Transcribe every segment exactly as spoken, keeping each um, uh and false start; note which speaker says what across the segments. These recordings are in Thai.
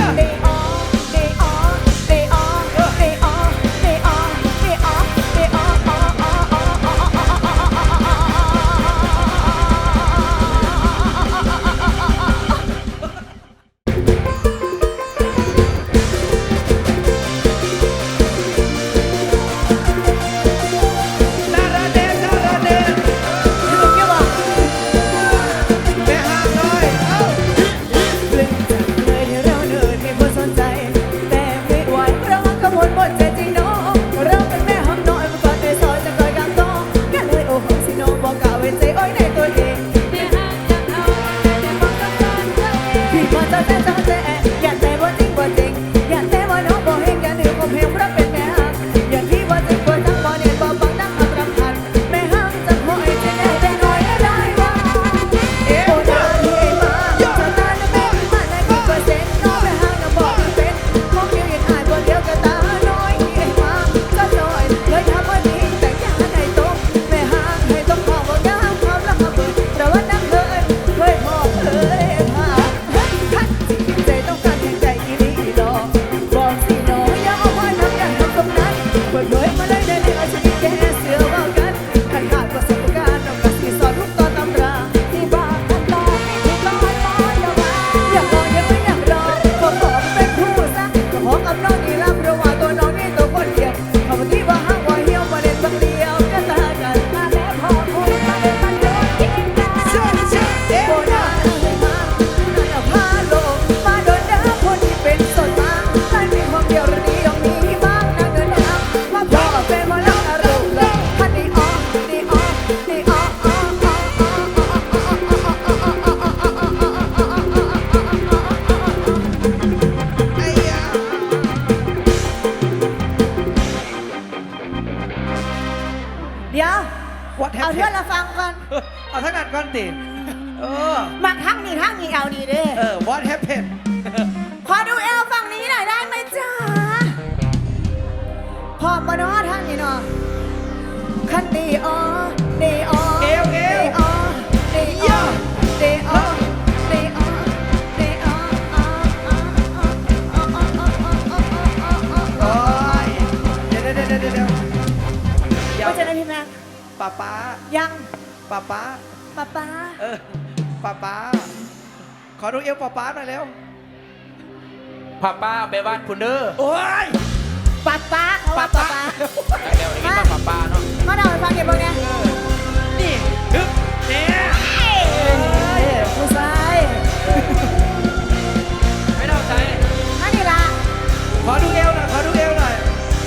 Speaker 1: เอาเพื่อนเราฟังก่อน
Speaker 2: เอาทั้งนั้นก่อนติเออ
Speaker 1: มาทั้งนี้ทั้งนี้เอาดีเด้
Speaker 2: เออ what happened
Speaker 1: ขอดูเอลฝั่งนี้หน่อยได้ไหมจ๊ะพอมาเนาะทั้งนี้เนาะคันดีอ๋อดีอ๋อ
Speaker 2: เอลเอล
Speaker 1: อ๋อดีอ๋อดีอ๋อดีอ๋อดีอ๋อ
Speaker 2: โอ้ยเดี๋ยวเดี๋ยวเดี๋ยวเดี๋ยวเดี๋ยว
Speaker 1: ก็จะได้พี่แม่
Speaker 2: ป้าป้า
Speaker 1: ยัง
Speaker 2: ป้าป้า
Speaker 1: ป้าป้า
Speaker 2: เออป้าป้าขอดูเอวป้าป้าหน่อยเร็ว
Speaker 3: ป้าป้าไปบ้านคุณเด้อ
Speaker 2: โอ้ย
Speaker 1: ป้าป้าเขาว่าป้าป้า
Speaker 3: เร็วๆนี่ป้าป้าเนาะ
Speaker 1: มาเดาไปฟังเก็บบ้างเนี่ย
Speaker 2: นี่ฮึบเนี่ย
Speaker 1: ผู้ชาย
Speaker 3: ไม่เดาใจ
Speaker 1: นั่นนี่ละ
Speaker 2: ขอดูเอวหน่อยขอดูเอวหน่อย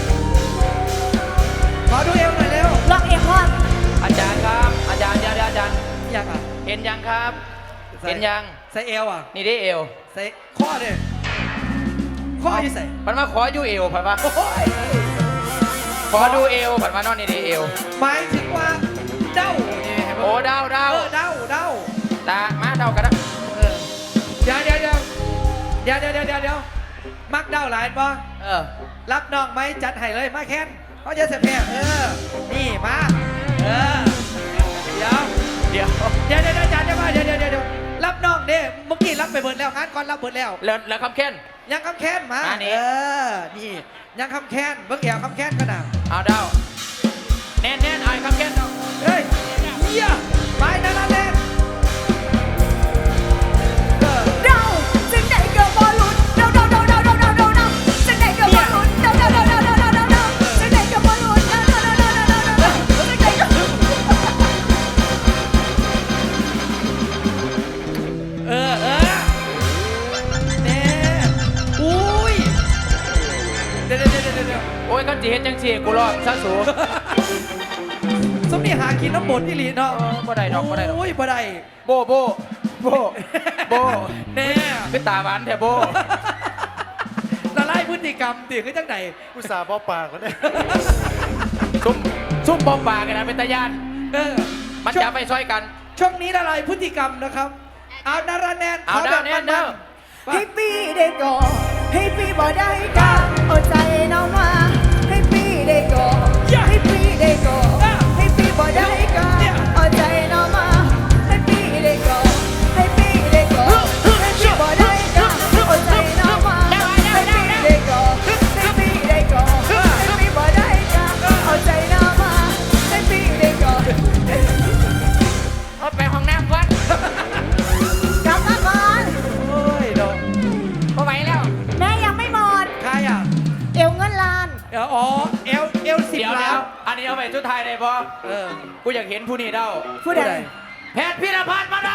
Speaker 2: ขอดูเอวหน่อยเร็ว
Speaker 1: ล็อกเอวพ่อ
Speaker 3: อาจารย์ครับอาจารย์เดี๋ยวอาจารย์
Speaker 2: ยังอ่ะ
Speaker 3: เห็นยังครับเห็นยัง
Speaker 2: ใส่เอวอ่ะ
Speaker 3: นี่ได้เอว
Speaker 2: ใส่ข้อเนี่ยข้ออยู่ใส่
Speaker 3: ผันมาขออยู่เอวผันมาขอดูเอวผันมานอนนี่ได้เอว
Speaker 2: หมายถึงว่าเด้า
Speaker 3: โอ้เด้าเด้า
Speaker 2: เด้าเด้า
Speaker 3: ตามาเด้ากันนะ
Speaker 2: เออเดี๋ยวเดี๋ยวเดี๋ยวเดี๋ยวเดี๋ยวเดี๋ยวเดี๋ยวมักเด้าหลายป่ะ
Speaker 3: เออ
Speaker 2: รับน้องไหมจัดให้เลยมาแค้นเขาจะเสพแพ้เออนี่มาเออเดี๋ยว
Speaker 3: เดี๋ยว
Speaker 2: เดี๋ยวเดี๋ยวจัดจะมาเดี๋ยวเดี๋ยวเดี๋ยวรับน้องเด้เมื่อกี้รับไปเบิดแล้วงานก่อนรับเบิดแล้ว
Speaker 3: แล้วแล้วคำแค้น
Speaker 2: ยังคำแค้นมาเออนี่ยังคำแค้นเมื่อกี้คำแค้นก็น่ะ
Speaker 3: เอาเด้าแน่นแน่นเอาคำแค้นเด้า
Speaker 2: เฮ้ยเยี่ยไปนั่นนั่นแน่
Speaker 1: เดาจึงได้เกิดบอลลูนเดาเดาเดาเดาเดาเดาเดาเดาจึงได้เกิดบอลลูนเดาเดาเดาเดาเดาเดาเดาเดาจึงได้เกิดบอลลูนเดาเดาเดาเดาเดาเดาเดาจึงได้เกิด
Speaker 2: เออเออเน่อุ้ยเดี๋ยวเดี๋ยวเดี๋ยวเดี๋ยว
Speaker 3: โอ้ยก็จีเฮ็ดจังสีกูรอดซะสู
Speaker 2: สมนี่หากินน้ำบดที่ลีเนาะ
Speaker 3: บ่ได้ดอกบ่ได้ดอก
Speaker 2: โอ้ยบ่ได้
Speaker 3: โบโบโบโบ
Speaker 2: แน่
Speaker 3: คือตาหวานแท้โบ
Speaker 2: ละลายพฤติกรรมตีขึ้นจังไหน
Speaker 4: อุตส่าห์บ่ปากก็ได้
Speaker 3: ซุ่มซุ่มบอมปากกันนะเป็นตาญาณ
Speaker 2: เออ
Speaker 3: มันจะไปช่วยกัน
Speaker 2: ช่วงนี้ละลายพฤติกรรมนะครับเอานาราแนน
Speaker 3: เอาดาวแนนเด้อ
Speaker 1: ให้ปีได้ก่อให้ปีบ่ได้กาเอาใจน้องมาให้ปีได้ก่อให้ปีได้ก่อให้ปีบ่ได้กาเอาใจน้องมาให้ปีได้ก่อให้ปีได้ก่อให้ปีบ่ได้กาเอาใจน้องมา
Speaker 2: อ๋อเอลเอลสิบ
Speaker 3: เดี๋ยว
Speaker 2: ล้า
Speaker 3: แล้
Speaker 2: น
Speaker 3: วอันนี้เอาไปชุดไทยได้ปะ
Speaker 2: เออ
Speaker 3: กูอยากเห็นผู้นี้เด้า
Speaker 1: ผู้ใด
Speaker 3: แพทย์พิรพันธ์มาเด้า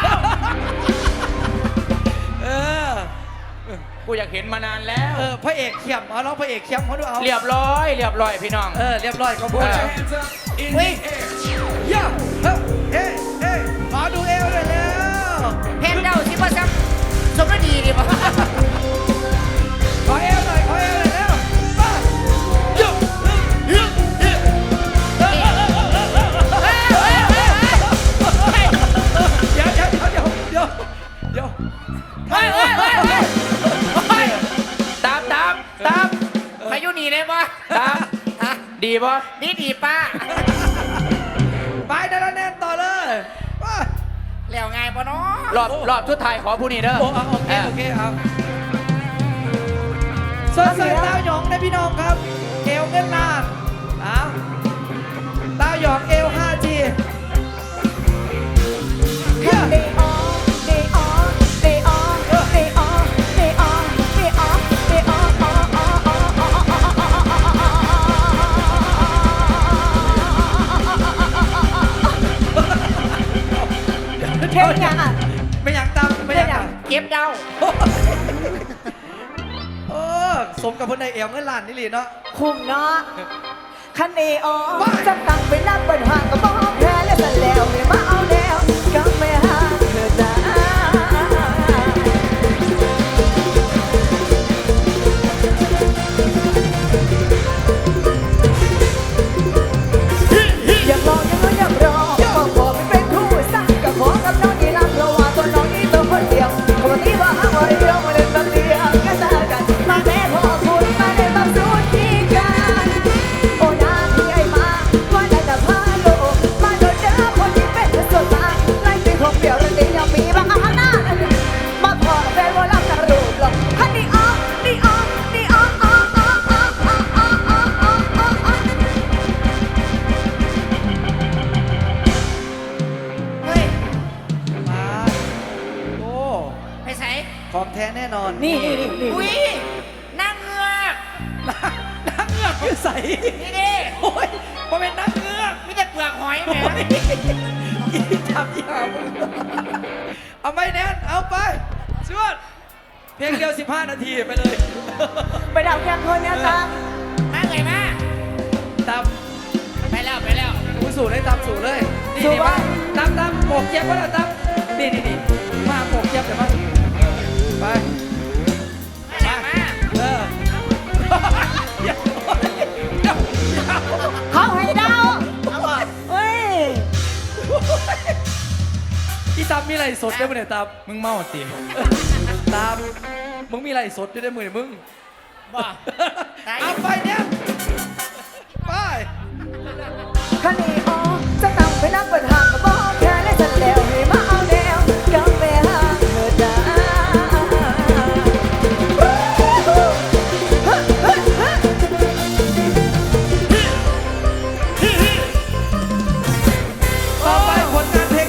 Speaker 2: เออ
Speaker 3: กูอยากเห็นมานานแล้ว
Speaker 2: เออพระเอกเขียมเอาน้องพระเอกเขียมเขาดูเอา
Speaker 3: เรียบร้อยเรียบร้อยพี่น้อง
Speaker 2: เออเรียบร้อยก็พูด
Speaker 3: เออ
Speaker 2: เฮ้ยย่าเฮ้เฮ้เฮ้ขอดูเอวเลยแล้ว
Speaker 4: เพนเดาสิว่าซ้ำสมดีดีป่ะ
Speaker 2: ขอเอวหน่อยขอเอวเลยแล้วมาโยโยโยเดี๋ยวเดี๋ยวเดี๋ยวเดี๋ยวเดี๋ยว
Speaker 4: เฮ้ยเฮ้ยเฮ้ยเฮ้ยเฮ้ย
Speaker 3: ตามตามตาม
Speaker 4: พายุหนีได้ป่ะ
Speaker 3: ตามดีปะ
Speaker 4: ดีดีป้า
Speaker 2: ไปเดินแน่นต่อเลยมา
Speaker 4: แล้วไงป่ะเนาะ
Speaker 3: รอบรอบชุดไทยขอผู้นี้เด้อ
Speaker 2: โอ้เอาโอเคโอเคเอาเซิร์ฟเซิร์ฟเต้าหยองนะพี่น้องครับเอวเงินนานเอาเต้าหยองเอว ห้าจี
Speaker 1: เดย์ออเดย์ออเดย์ออเดย์ออเดย์ออเดย์ออเดย์ออออออเพลงยังอ่ะ
Speaker 2: ไม่อยากตามไม่อยากตาม
Speaker 4: เก็บเดา
Speaker 2: เออสมกับคนในเอวเงินล้านนี่หลีเนาะ
Speaker 1: คุมเนาะคันเอออจะตั้งไปนับเปิดห่างก็บอกแพ้แล้วแต่แล้วไม่มาเอาแล้วก็ไม่หาเธอจ้าอยากลองยังก็อยากรอบอกขอไม่เป็นคู่สักก็ขอกับน้องนี่รักเพราะว่าตัวน้องนี่ตัวคนเดียวปกติว่าหาว่าเดียวมาเล่นแบบเดียวก็ตากันมาแม่พอคุณมาเล่นแบบสุดที่กันโอ้นาที่ไอ้มาว่าได้แต่พาโลมาโดนเจอคนที่เป็นส่วนมากไล่ไปคงเดียวแล้วเดี๋ยวมีบางอาหน้ามาขอแฟนว่ารักกันรูปหรอกฮันนี่อ๋อนี่อ๋อนี่อ๋ออ๋ออ๋ออ๋ออ๋ออ๋ออ๋ออ๋ออ๋อ
Speaker 4: เฮ้ย
Speaker 2: มาโอ้
Speaker 4: ไปใส่
Speaker 2: ของแท้แน่นอน
Speaker 1: นี่นี่นี่นี่
Speaker 4: อุ้ยนั่งเงือก
Speaker 2: นักเงือกคือใส
Speaker 4: นี่ดิ
Speaker 2: โอ้ยมาเป็นนักเงือก
Speaker 4: มีแต่เปลือกหอยแหม
Speaker 2: อีทำอีหามึงเอาไม่แน่นเอาไปชวดเพียงเดียวสิบห้านาทีไปเลย
Speaker 1: ไปดับแกงคนเนี่ยจ้า
Speaker 4: มาเลยมา
Speaker 2: ตาม
Speaker 4: ไปแล้วไปแล้ว
Speaker 2: กูสู่เลยตามสู่เลยนี่นี่มาตามตามโปกเจี๊ยบก็ได้ตามนี่นี่นี่มาโปกเจี๊ยบเดี๋ยวมาไป
Speaker 4: มาแล้วมา
Speaker 2: เออเดี๋ยวเดี๋ยว
Speaker 1: เขาให้เดา
Speaker 4: เอาบ่
Speaker 1: เฮ้ย
Speaker 2: อีตามมีอะไรสดได้ไหมเนี่ยตาม
Speaker 3: มึงเมาติ
Speaker 2: ตามมึงมีอะไรสดได้ไหมเนี่ยมึง
Speaker 4: บ่ตาย
Speaker 2: เอาไปเนี่ยไป
Speaker 1: คันนี้อ๋อจะตั้งไปนักเปิดห่างก็บอกแค่เล่นฉันแล้ว